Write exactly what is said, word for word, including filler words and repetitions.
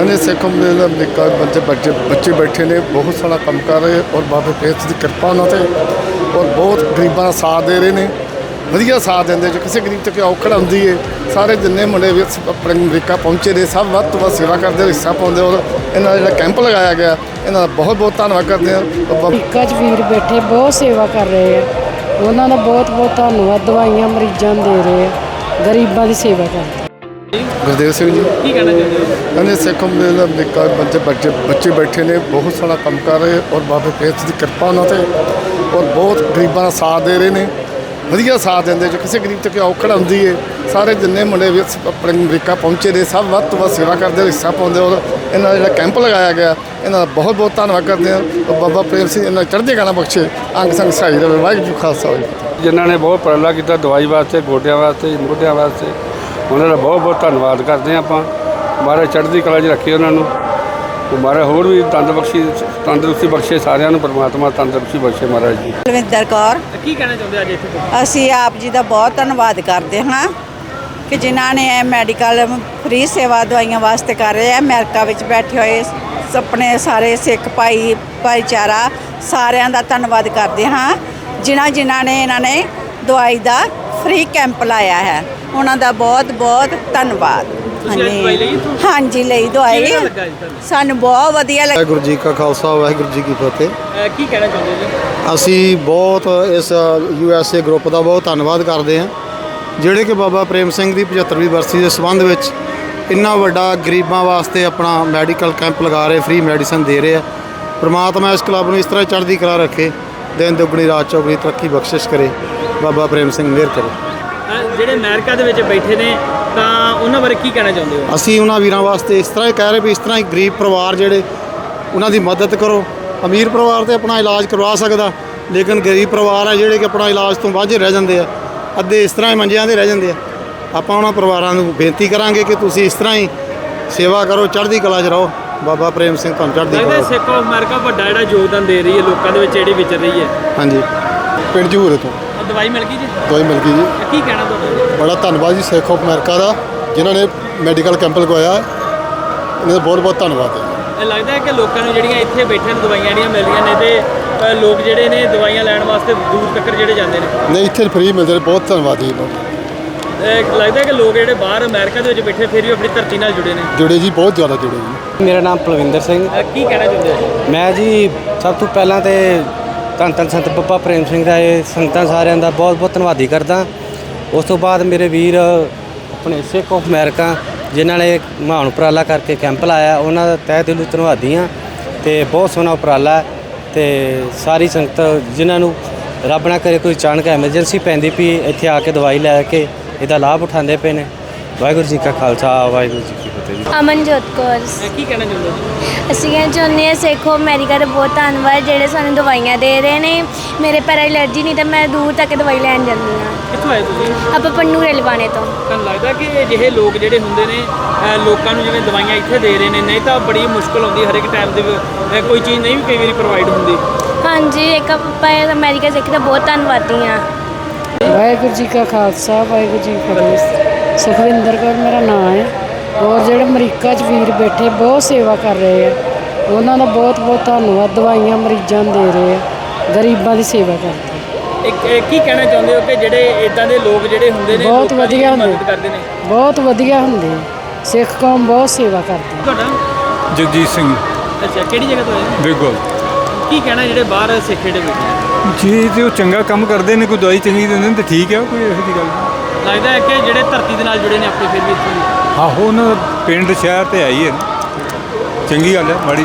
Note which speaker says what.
Speaker 1: कहने सिख अमरीका बच्चे बच्चे बच्चे बैठे ने बहुत सारा काम कर रहे और बाबे फेस की कृपा उन्होंने और बहुत गरीबों का साथ दे रहे हैं वधिया साथ देंगे जो किसी गरीब तक औखड़ आती है सारे जिन्ने मुंडे भी अपने अमरीका पहुँचे ने सब वध तो वध सेवा करते हिस्सा पाते और इन्होंने जो कैंप लगाया गया इन्हों बहुत बहुत धन्यवाद करते हैं।
Speaker 2: अमरीका च वीर बैठे बहुत सेवा कर रहे हैं उन्होंने बहुत बहुत धन्यवाद दवाइयाँ मरीजों दे रहे हैं गरीबों की सेवा करते।
Speaker 1: गुरदेव सिंह जी
Speaker 3: की कहना चाहते हो?
Speaker 1: कहने सिख अमरीका बच्चे बच्चे बच्चे बैठे ने बहुत सारा काम कर रहे और बाबे फेस की कृपा उन्होंने और बहुत गरीबों का साथ दे रहे हैं वधिया साथ देंगे जो किसी गरीब तक औखड़ आती है सारे जिन्ने मुंडे भी अपने अमरीका पहुँचे ने सब वध तो वध सेवा करते हिस्सा पाते और इन्होंने जो कैंप लगाया गया इन्हों बहुत बहुत धन्यवाद करते हैं और बाबा प्रेम सिंह इन्होंने चढ़ती कला बख्शे अंग संग सहाई रहे वाहिगुरू जी खालसा वाहिगुरू।
Speaker 4: जिन्होंने बहुत उपराला किया दवाई वास्ते गोडिया वास्ते मोढिया वास्ते उन्होंने बहुत बहुत धन्यवाद करते हैं आप महाराज चढ़ती कला च रखे उन्होंने महाराज होर भी तंदबख्शी तंदरुस्ती बख्शे सारिਆਂ ਨੂੰ परमात्मा तंदरुस्ती बख्शे महाराज जी।
Speaker 3: बलविंदर कौर की कहना चाहते हो? ਅੱਜ ਅਸੀਂ ਆਪ ਜੀ ਦਾ ਬਹੁਤ ਧੰਨਵਾਦ ਕਰਦੇ ਹਾਂ ਕਿ ਜਿਨ੍ਹਾਂ ਨੇ ਇਹ ਮੈਡੀਕਲ ਫ੍ਰੀ ਸੇਵਾ ਦਵਾਈਆਂ ਵਾਸਤੇ ਕਰ ਰਹੇ ਆ ਅਮਰੀਕਾ ਵਿੱਚ ਬੈਠੇ ਹੋਏ ਆਪਣੇ ਸਾਰੇ ਸਿੱਖ ਭਾਈ ਭਾਈਚਾਰਾ ਸਾਰਿਆਂ ਦਾ ਧੰਨਵਾਦ ਕਰਦੇ ਹਾਂ ਜਿਨ੍ਹਾਂ ਜਿਨ੍ਹਾਂ ਨੇ ਇਹਨਾਂ ਨੇ ਦਵਾਈ ਦਾ ਫ੍ਰੀ ਕੈਂਪ ਲਾਇਆ ਹੈ ਉਹਨਾਂ ਦਾ ਬਹੁਤ ਬਹੁਤ ਧੰਨਵਾਦ। ਹਾਂਜੀ ਹਾਂਜੀ ਲਈ ਦਵਾਈ ਸਾਨੂੰ ਬਹੁਤ ਵਧੀਆ ਲੱਗੀ।
Speaker 5: ਵਾਹਿਗੁਰੂ ਜੀ ਕਾ ਖਾਲਸਾ ਵਾਹਿਗੁਰੂ ਜੀ ਕੀ ਫਤਿਹ।
Speaker 3: ਕੀ ਕਹਿਣਾ ਚਾਹੁੰਦੇ ਜੀ?
Speaker 5: ਅਸੀਂ ਬਹੁਤ ਇਸ ਯੂ ਐਸ ਏ ਗਰੁੱਪ ਦਾ ਬਹੁਤ ਧੰਨਵਾਦ ਕਰਦੇ ਹਾਂ ਜਿਹੜੇ ਕਿ ਬਾਬਾ ਪ੍ਰੇਮ ਸਿੰਘ ਦੀ ਪਝੱਤਰਵੀਂ ਬਰਸੀ ਦੇ ਸੰਬੰਧ ਵਿੱਚ ਇੰਨਾ ਵੱਡਾ ਗਰੀਬਾਂ ਵਾਸਤੇ ਆਪਣਾ ਮੈਡੀਕਲ ਕੈਂਪ ਲਗਾ ਰਹੇ ਫ੍ਰੀ ਮੈਡੀਸਨ ਦੇ ਰਹੇ ਆ। ਪ੍ਰਮਾਤਮਾ ਇਸ ਕਲੱਬ ਨੂੰ ਇਸ ਤਰ੍ਹਾਂ ਚੜ੍ਹਦੀ ਕਲਾ ਰੱਖੇ ਦਿਨ ਦੁੱਗਣੀ ਰਾਤ ਚੌਗਣੀ ਤਰੱਕੀ ਬਖਸ਼ਿਸ਼ ਕਰੇ ਬਾਬਾ ਪ੍ਰੇਮ ਸਿੰਘ ਮਿਹਰ ਕਰੇ।
Speaker 3: ਜਿਹੜੇ ਅਮਰੀਕਾ ਦੇ ਵਿੱਚ ਬੈਠੇ ਨੇ ਤਾਂ ਉਹਨਾਂ ਬਾਰੇ ਕੀ ਕਹਿਣਾ ਚਾਹੁੰਦੇ ਹੋ?
Speaker 5: ਅਸੀਂ ਉਹਨਾਂ ਵੀਰਾਂ ਵਾਸਤੇ ਇਸ ਤਰ੍ਹਾਂ ਹੀ ਕਹਿ ਰਹੇ ਵੀ ਇਸ ਤਰ੍ਹਾਂ ਹੀ ਗਰੀਬ ਪਰਿਵਾਰ ਜਿਹੜੇ ਉਹਨਾਂ ਦੀ ਮਦਦ ਕਰੋ। ਅਮੀਰ ਪਰਿਵਾਰ ਤੇ ਆਪਣਾ ਇਲਾਜ ਕਰਵਾ ਸਕਦਾ ਲੇਕਿਨ ਗਰੀਬ ਪਰਿਵਾਰ ਹੈ ਜਿਹੜੇ ਕਿ ਆਪਣਾ ਇਲਾਜ ਤੋਂ ਵਾਂਝੇ ਰਹਿ ਜਾਂਦੇ ਆ ਅੱਧੇ ਇਸ ਤਰ੍ਹਾਂ ਹੀ ਮੰਜਿਆਂ 'ਤੇ ਰਹਿ ਜਾਂਦੇ ਆ। ਆਪਾਂ ਉਹਨਾਂ ਪਰਿਵਾਰਾਂ ਨੂੰ ਬੇਨਤੀ ਕਰਾਂਗੇ ਕਿ ਤੁਸੀਂ ਇਸ ਤਰ੍ਹਾਂ ਹੀ ਸੇਵਾ ਕਰੋ ਚੜ੍ਹਦੀ ਕਲਾ 'ਚ ਰਹੋ। ਬਾਬਾ ਪ੍ਰੇਮ ਸਿੰਘ ਤੁਹਾਨੂੰ ਚੜ੍ਹਦੀ ਕਲਾ।
Speaker 3: ਲੱਗਦਾ ਸਿੱਖ ਆਫ ਅਮਰੀਕਾ ਵੱਡਾ ਜਿਹੜਾ ਯੋਗਦਾਨ ਦੇ ਰਹੀ ਹੈ ਲੋਕਾਂ ਦੇ ਵਿੱਚ ਜਿਹੜੀ ਵਿਚਰ ਰਹੀ ਹੈ।
Speaker 5: ਹਾਂਜੀ ਪਿੰਡ ਜਹੂਰੇ ਤੋਂ
Speaker 3: ਦਵਾਈ ਮਿਲ ਗਈ ਜੀ?
Speaker 5: ਦਵਾਈ ਮਿਲ ਗਈ ਜੀ।
Speaker 3: ਕੀ ਕਹਿਣਾ ਤੁਹਾਡਾ?
Speaker 5: ਬੜਾ ਧੰਨਵਾਦ ਜੀ ਸਿੱਖ ਆਫ ਅਮਰੀਕਾ ਦਾ ਜਿਨ੍ਹਾਂ ਨੇ ਮੈਡੀਕਲ ਕੈਂਪ ਲਗਵਾਇਆ ਇਹਨਾਂ ਦਾ ਬਹੁਤ ਬਹੁਤ ਧੰਨਵਾਦ ਹੈ।
Speaker 3: ਲੱਗਦਾ ਹੈ ਕਿ ਲੋਕਾਂ ਨੂੰ ਜਿਹੜੀਆਂ ਇੱਥੇ ਬੈਠੇ ਨੇ ਦਵਾਈਆਂ ਜਿਹੜੀਆਂ ਮਿਲਦੀਆਂ ਨੇ ਤੇ ਲੋਕ ਜਿਹੜੇ ਨੇ ਦਵਾਈਆਂ ਲੈਣ ਵਾਸਤੇ ਦੂਰ ਤੱਕ ਜਿਹੜੇ ਜਾਂਦੇ ਨੇ
Speaker 5: ਨਹੀਂ ਇੱਥੇ ਫ੍ਰੀ ਮਿਲਦੇ ਨੇ ਬਹੁਤ ਧੰਨਵਾਦ ਜੀ।
Speaker 3: ਲੱਗਦਾ ਹੈ ਕਿ ਲੋਕ ਜਿਹੜੇ ਬਾਹਰ ਅਮਰੀਕਾ ਦੇ ਵਿੱਚ ਬੈਠੇ ਫਿਰ ਵੀ ਆਪਣੀ ਧਰਤੀ ਨਾਲ ਜੁੜੇ ਨੇ।
Speaker 5: ਜੁੜੇ ਜੀ ਬਹੁਤ ਜ਼ਿਆਦਾ ਜੁੜੇ ਜੀ।
Speaker 6: ਮੇਰਾ ਨਾਮ ਪਲਵਿੰਦਰ ਸਿੰਘ।
Speaker 3: ਕੀ ਕਹਿਣਾ ਚਾਹੁੰਦੇ ਹੋ?
Speaker 6: ਮੈਂ ਜੀ ਸਭ ਤੋਂ ਪਹਿਲਾਂ ਤੇ ਧੰਨ ਧੰਨ ਸੰਤ ਬਾਬਾ ਪ੍ਰੇਮ ਸਿੰਘ ਦਾ ਇਹ ਸੰਗਤਾਂ ਸਾਰਿਆਂ ਦਾ ਬਹੁਤ ਬਹੁਤ ਧੰਨਵਾਦੀ ਕਰਦਾ। ਉਸ ਤੋਂ ਬਾਅਦ ਮੇਰੇ ਵੀਰ ਆਪਣੇ ਸਿੱਖ ਆਫ ਅਮਰੀਕਾ ਜਿਨ੍ਹਾਂ ਨੇ ਮਹਾਨ ਉਪਰਾਲਾ ਕਰਕੇ ਕੈਂਪ ਲਾਇਆ ਉਹਨਾਂ ਦਾ ਤਹਿ ਦਿਲੋਂ ਧੰਨਵਾਦੀ ਹਾਂ ਅਤੇ ਬਹੁਤ ਸੋਹਣਾ ਉਪਰਾਲਾ ਅਤੇ ਸਾਰੀ ਸੰਗਤ ਜਿਨ੍ਹਾਂ ਨੂੰ ਰੱਬ ਨਾ ਕਰੇ ਕੋਈ ਅਚਾਨਕ ਐਮਰਜੈਂਸੀ ਪੈਂਦੀ ਪਈ ਇੱਥੇ ਆ ਕੇ ਦਵਾਈ ਲੈ ਕੇ ਇਹਦਾ ਲਾਭ ਉਠਾਉਂਦੇ ਪਏ ਨੇ। ਵਾਹਿਗੁਰੂ ਜੀ ਕਾ ਖਾਲਸਾ ਵਾਹਿਗੁਰੂ ਜੀ ਕੀ ਫਤਿਹ ਜੀ।
Speaker 7: ਅਮਨਜੋਤ ਕੌਰ।
Speaker 3: ਕੀ ਕਹਿਣਾ ਚਾਹੁੰਦੇ ਹੋ?
Speaker 7: ਅਸੀਂ ਕਹਿਣਾ ਚਾਹੁੰਦੇ ਹਾਂ ਸਿੱਖ ਆਫ ਅਮਰੀਕਾ ਦਾ ਬਹੁਤ ਧੰਨਵਾਦ ਜਿਹੜੇ ਸਾਨੂੰ ਦਵਾਈਆਂ ਦੇ ਰਹੇ ਨੇ। ਮੇਰੇ ਪੈਰ ਐਲਰਜੀ ਨਹੀਂ ਤਾਂ ਮੈਂ ਦੂਰ ਤੱਕ ਦਵਾਈ ਲੈਣ ਜਾਂਦੀ ਹਾਂ।
Speaker 3: ਕਿੱਥੋਂ ਆਏ ਤੁਸੀਂ?
Speaker 7: ਆਪਾਂ ਪੰਨੂ ਰੇਲਵਾਣੇ ਤੋਂ।
Speaker 3: ਤੁਹਾਨੂੰ ਲੱਗਦਾ ਕਿ ਅਜਿਹੇ ਲੋਕ ਜਿਹੜੇ ਹੁੰਦੇ ਨੇ ਲੋਕਾਂ ਨੂੰ ਜਿਵੇਂ ਦਵਾਈਆਂ ਇੱਥੇ ਦੇ ਰਹੇ ਨੇ ਨਹੀਂ ਤਾਂ ਬੜੀ ਮੁਸ਼ਕਲ ਆਉਂਦੀ ਹਰ ਇੱਕ ਟਾਈਮ ਦੇ ਕੋਈ ਚੀਜ਼ ਨਹੀਂ ਵੀ ਕਈ ਵਾਰੀ ਪ੍ਰੋਵਾਈਡ ਹੁੰਦੀ।
Speaker 7: ਹਾਂਜੀ ਇੱਕ ਆਪਾਂ ਅਮਰੀਕਾ ਸਿੱਖ ਦਾ ਬਹੁਤ ਧੰਨਵਾਦੀ ਹਾਂ।
Speaker 2: ਵਾਹਿਗੁਰੂ ਜੀ ਕਾ ਖਾਲਸਾ ਵਾਹਿਗੁਰੂ ਜੀ ਕੀ ਫਤਿਹ। ਸੁਖਵਿੰਦਰ ਕੌਰ ਮੇਰਾ ਨਾਮ ਹੈ ਔਰ ਜਿਹੜੇ ਅਮਰੀਕਾ 'ਚ ਵੀਰ ਬੈਠੇ ਬਹੁਤ ਸੇਵਾ ਕਰ ਰਹੇ ਆ ਉਹਨਾਂ ਦਾ ਬਹੁਤ ਬਹੁਤ ਧੰਨਵਾਦ ਦਵਾਈਆਂ ਮਰੀਜ਼ਾਂ ਦੇ ਰਹੇ ਆ ਗਰੀਬਾਂ ਦੀ ਸੇਵਾ ਕਰਦੇ।
Speaker 3: ਇੱਕ ਕੀ ਕਹਿਣਾ ਚਾਹੁੰਦੇ ਹੋ ਕਿ ਜਿਹੜੇ ਇਦਾਂ ਦੇ ਲੋਕ ਜਿਹੜੇ ਹੁੰਦੇ ਨੇ
Speaker 2: ਬਹੁਤ ਵਧੀਆ ਹੁੰਦੇ
Speaker 3: ਮਦਦ ਕਰਦੇ ਨੇ?
Speaker 2: ਬਹੁਤ ਵਧੀਆ ਹੁੰਦੇ ਸਿੱਖ ਕੌਮ ਬਹੁਤ ਸੇਵਾ ਕਰਦੀ।
Speaker 3: ਤੁਹਾਡਾ?
Speaker 8: ਜਗਜੀਤ ਸਿੰਘ।
Speaker 3: ਅੱਛਾ ਕਿਹੜੀ ਜਗ੍ਹਾ ਤੋਂ ਆਏ?
Speaker 8: ਬਿਲਕੁਲ।
Speaker 3: ਕੀ ਕਹਿਣਾ ਜਿਹੜੇ ਬਾਹਰ ਸਿੱਖ ਜਿਹੜੇ ਬੈਠੇ
Speaker 8: ਜੀ ਤੇ ਉਹ ਚੰਗਾ ਕੰਮ ਕਰਦੇ ਨੇ ਕੋਈ ਦਵਾਈ ਚੰਗੀ ਦਿੰਦੇ ਨੇ ਤਾਂ ਠੀਕ ਹੈ ਕੋਈ ਇਹੋ ਜਿਹੀ ਗੱਲ ਨਹੀਂ।
Speaker 3: ਲੱਗਦਾ ਹੈ ਕਿ ਜਿਹੜੇ ਧਰਤੀ ਦੇ ਨਾਲ ਜੁੜੇ ਨੇ ਆਪਣੇ ਫਿਰ ਵੀ ਇੱਥੇ
Speaker 8: ਆਹੋ ਉਹਨਾਂ ਦਾ ਪਿੰਡ ਸ਼ਹਿਰ ਤੇ ਆਈ ਹੈ ਚੰਗੀ ਗੱਲ ਹੈ ਮਾੜੀ